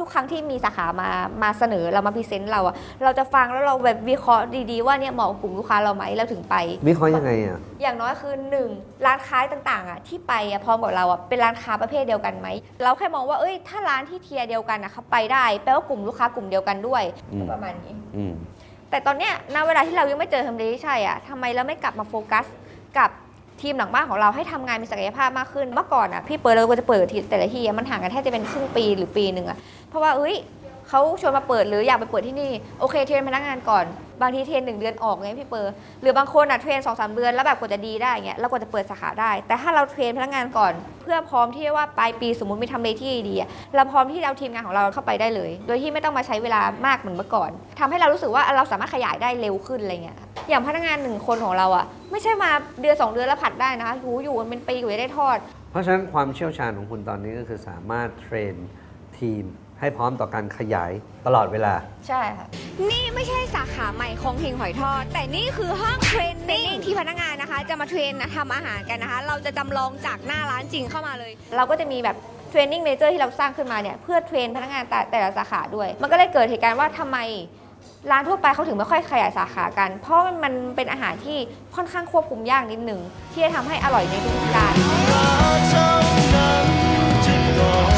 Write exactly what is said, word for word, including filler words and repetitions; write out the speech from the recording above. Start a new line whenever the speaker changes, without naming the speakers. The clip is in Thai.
ทุกครั้งที่มีสาขามามาเสนอเรามาพรีเซนต์เราอะเราจะฟังแล้วเราแบบวิเคราะห์ดีๆว่าเนี่ยเหมาะกับกลุ่มลูกค้าเราไหมเราถึงไป
วิเคราะห์ยังไงอ่ะ
อย่างน้อยคือหนึ่งร้านค้าต่างๆอะที่ไปอะพร้อมกับเราอะเป็นร้านค้าประเภทเดียวกันไหมเราแค่มองว่าเอ้ยถ้าร้านที่เทียร์เดียวกันอะเขาไปได้แปลว่ากลุ่มลูกค้ากลุ่มเดียวกันด้วยประมาณนี้แต่ตอนเนี้ยณเวลาที่เรายังไม่เจอทำเลที่ใช่อะทำไมเราไม่กลับมาโฟกัสกับทีมหลังบ้านของเราให้ทำงานมีศักยภาพมากขึ้นเมื่อก่อนอ่ะพี่เปิดเราก็จะเปิดทีแต่ละที่มันห่างกันแทบจะเป็นครึ่งปีหรือปีหนึ่งอ่ะเพราะว่าเอ้ยเขาชวนมาเปิดหรืออยากไปเปิดที่นี่โอเคเทรนพนักงานก่อนบางทีเทรนหนึ่งเดือนออกไงพี่เปิดหรือบางคนอ่ะเทรนสองสามเดือนแล้วแบบกว่าจะดีได้เงี้ยแล้วกว่าจะเปิดสาขาได้แต่ถ้าเราเทรนพนักงานก่อนเพื่อพร้อมที่ว่าปลายปีสมมติมีทำเลที่ดีอ่ะเราพร้อมที่จะเอาทีมงานของเราเข้าไปได้เลยโดยที่ไม่ต้องมาใช้เวลามากเหมือนเมื่อก่อนทำให้เรารู้สึกว่าเราสามารถขยายได้เร็วขึ้นอะไรเงี้ยอย่างพนักงานหนึ่งคนของเราอ่ะไม่ใช่มาเดือนสองเดือนแล้วผัดได้นะคะอยู่อยู่มันเป็นปีกว่าจะได้ทอด
เพราะฉะนั้นความเชี่ยวชาญของคุณตอนนี้ก็คือสามารถเทรนทีมให้พร้อมต่อการขยายตลอดเวลา
ใช่ค่ะนี่ไม่ใช่สาขาใหม่ของเฮงหอยทอดแต่นี่คือห้องเทรนนิ่งที่พนักงานนะคะจะมาเทรนทำอาหารกันนะคะเราจะจำลองจากหน้าร้านจริงเข้ามาเลยเราก็จะมีแบบเทรนนิ่งเมเจอร์ที่เราสร้างขึ้นมาเนี่ยเพื่อเทรนพนักงานแต่แต่ละสาขาด้วยมันก็เลยเกิดเหตุการณ์ว่าทำไมร้านทั่วไปเขาถึงไม่ค่อยขยายสาขากันเพราะมันเป็นอาหารที่ค่อนข้างควบคุมยากนิดหนึ่งที่จะทำให้อร่อยในทุกๆจาน